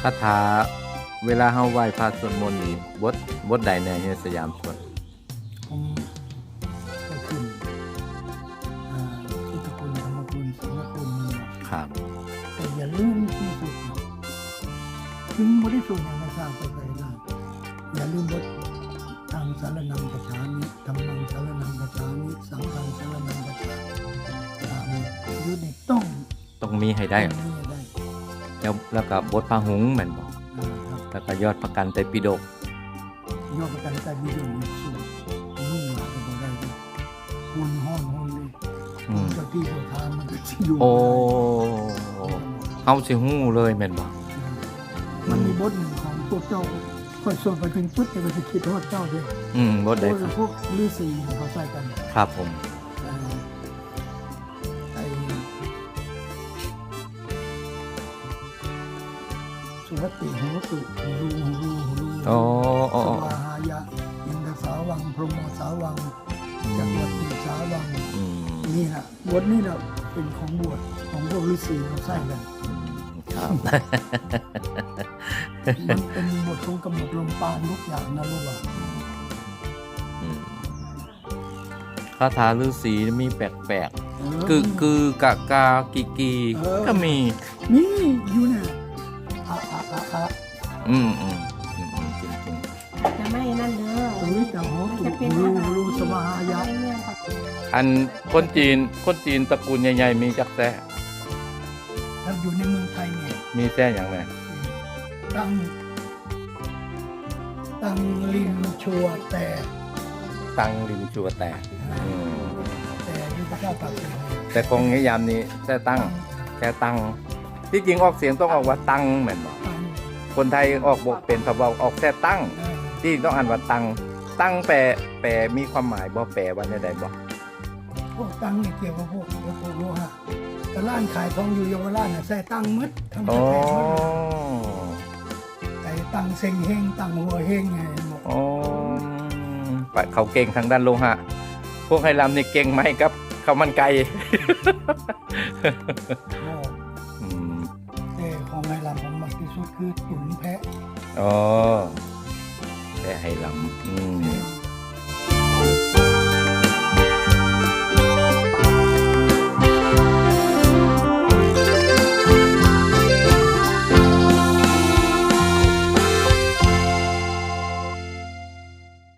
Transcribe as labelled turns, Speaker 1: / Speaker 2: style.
Speaker 1: คาถาเวลาเฮาไหว้พระสวดมนต์นี่บทใดในสยามสวด
Speaker 2: ผมก็ขึ้นพุทธคุณธรรมคุณสังฆคุณนี่เนาะ
Speaker 1: ครับ
Speaker 2: แต่อย่าลืมที่สุดเนาะถึงบริสุทธิ์อย่างไม่ทราบไปไกลล่างอย่าลืมบททางสารนังกัจฉามิธรรมังสารนังกัจฉามิสังฆังสารนังกัจฉามิยุดนี่ต้อง
Speaker 1: มีให้ได้
Speaker 2: มีให้ได้
Speaker 1: แล้วก็บทพระหุงส์แม่นบ่
Speaker 2: ครับ
Speaker 1: แล้วก็ยอดประกันไตรปิฎก
Speaker 2: ยอดประกันใจมีอยู่มีสูงนุ่งหลาก็บ่ได้ดิหุ่นห้อนหุ่นนี่เจ้าที่เจ้าทางมันก็สิอยู่
Speaker 1: โอ้เฮาสิฮู้เลยแม่นบ่
Speaker 2: มันมีบทหนึ่งของพวกเจ้าค่อยส่วนไปถึงปุ๊บแต่ก็จะคิดฮอดเจ้าด้วย
Speaker 1: บทใดครับ
Speaker 2: พวกฤาษีเขาใส่กัน
Speaker 1: ครับผม
Speaker 2: ไอ้สุวัตติโหตุรู
Speaker 1: โอ้
Speaker 2: สวาหายะอินทสาวังพรหมสาวังจักรวัติสาวังนี่ฮะบทนี้นะเป็นของบวชของพวกฤาษีเขาใส่กัน
Speaker 1: ครับ
Speaker 2: มันเป็นบทของกำหนดลมปานทุกอย่างนะรู้ว่า
Speaker 1: คาถาฤาษีมีแปลกๆคือกะกากีก็มี
Speaker 2: อยู่เนี่ย
Speaker 1: จริง
Speaker 3: จะไม่นั่นเด้อ
Speaker 2: ตรงนี้แต่หัวตุรูสวาหายะ
Speaker 1: อันคนจีนตระกูลใหญ่ๆมีจักแซ่
Speaker 2: ถ้าอยู่ในเมืองไทยเนี่ย
Speaker 1: มีแซ่อย่างไร
Speaker 2: ตั้งลิมชัวแต่
Speaker 1: ตั้งลิมชัวแต่
Speaker 2: ยุทธศาสตร์ตัดสิน
Speaker 1: แต่คงนิยามนี้แค่ตั้งที่จริงออกเสียงต้องออกว่าตั้งเหมือนบอกคนไทยออกบกเป็นพะเบาออกแค่ตั้งที่ต้องอ่านว่าตั้งแปลมีความหมายบ่แปลว่าได้บ่
Speaker 2: พวกตั้งนี่เกี่ยวกับพวกโลหะแต่ร้านขายทองอยู่เยาวราชน่ะใส่ตั้งมืดทั้งประเทศหมดไอ้ตั้งเซ็งเฮงตั้งหัวเฮงไงบอก
Speaker 1: เขาเก่งทางด้านโลหะพวกไฮรัมนี่เก่งไหมครับข้าวมันไก่
Speaker 2: ของไฮรัมผมมักที่สุดคือตุ๋นแพะ
Speaker 1: แพะไฮรัม